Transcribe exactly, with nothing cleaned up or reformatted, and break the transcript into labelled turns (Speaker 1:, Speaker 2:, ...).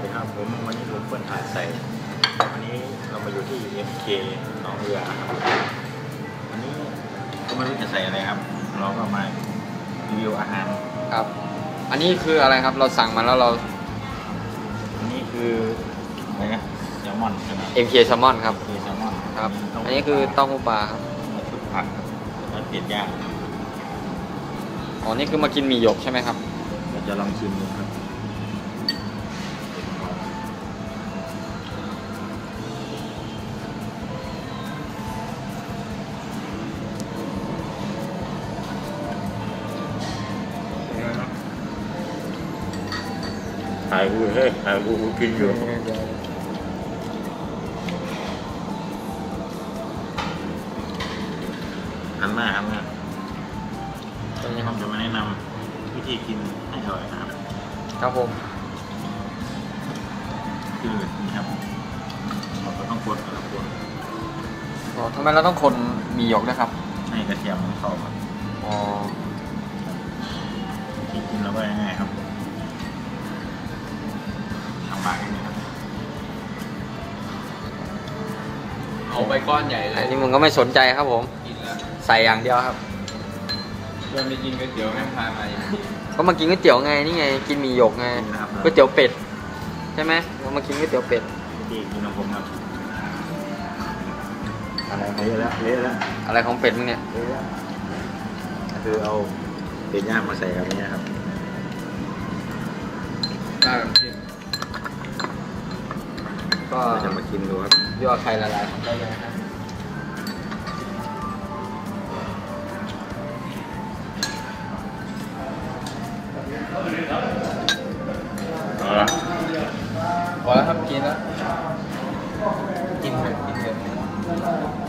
Speaker 1: ครับผมวันนี้ผมเปิ้ลถ่ายใส่วันนี้เรามาอยู่ที่ เอ็ม เค หนองเรือครับวันนี้ก็ไม่รู้จะใส่อะไรครับ เราก็มารีวิวอาหาร
Speaker 2: ครับ อันนี้คืออะไรครับเราสั่งมาแล้วเรา
Speaker 1: อันนี้คืออะไรนะแซลมอนใช่ไหม
Speaker 2: เอ็ม เค Salmon ครับ
Speaker 1: คือแซลมอน
Speaker 2: ครับ อันนี้คือเต้าหู้ปลาครับ
Speaker 1: ชุดผักแล้วเผ็ดย่าง
Speaker 2: อ๋อนี่คือมากินหมี่หยกใช่ไหมครับ
Speaker 1: เราจะลองชิมดูครับถ่ายกูเฮ้ยถ่ายกูกูกินอยู่หันหน้าหันหน้าตอนนี้ผมจะมาแนะนำวิธีกินให้อร่อยนะครับ
Speaker 2: ครับผม
Speaker 1: คือนี่ครับเราก็ต้องกดกระปุก
Speaker 2: อ๋อทำไมเราต้องคนหมี่หยกด้วยครับ
Speaker 1: ให้กระเทียมมันเข้าครับ
Speaker 2: อ๋อ
Speaker 1: ที่กินแล้วก็ง่ายๆครับทางปากนิดนึงครับ
Speaker 3: เอาไปก้อนใหญ่เล
Speaker 2: อั
Speaker 3: ย
Speaker 2: นนี้มึงก็ไม่สนใจครับผม
Speaker 3: กินแล้ว
Speaker 2: ใส่อย่างเดียวครับ
Speaker 3: เพื่อนไปกินก๋วยเตี๋ยวแม่งพามาอย่างนี้
Speaker 2: ก็มากินก๋วยเตี๋ยวไงนี่ไงกินหมี่หยกไง
Speaker 1: กินนะครับ
Speaker 2: ก๋วยเตี๋ยวเป็ดใช่ไหมเรามากินก๋วยเตี๋ยวเป็ด
Speaker 1: ที่กินของผมครับ
Speaker 2: อะไรของ
Speaker 1: เละแล้วเละแล้ว
Speaker 2: อะไรของเป็ดมึงเนี่ย
Speaker 1: เละแล้วคือเอาเป็ดย่างมาใส่กับนี้ครับ
Speaker 3: ได้แบบกิน
Speaker 2: ก็
Speaker 1: เราจะมากินดูครับ
Speaker 2: ยั่วไข่ละลายได้เลยครับ
Speaker 1: เอาละ
Speaker 3: พอแล้วครับกินแล้ว กินเถอะกินเถอะ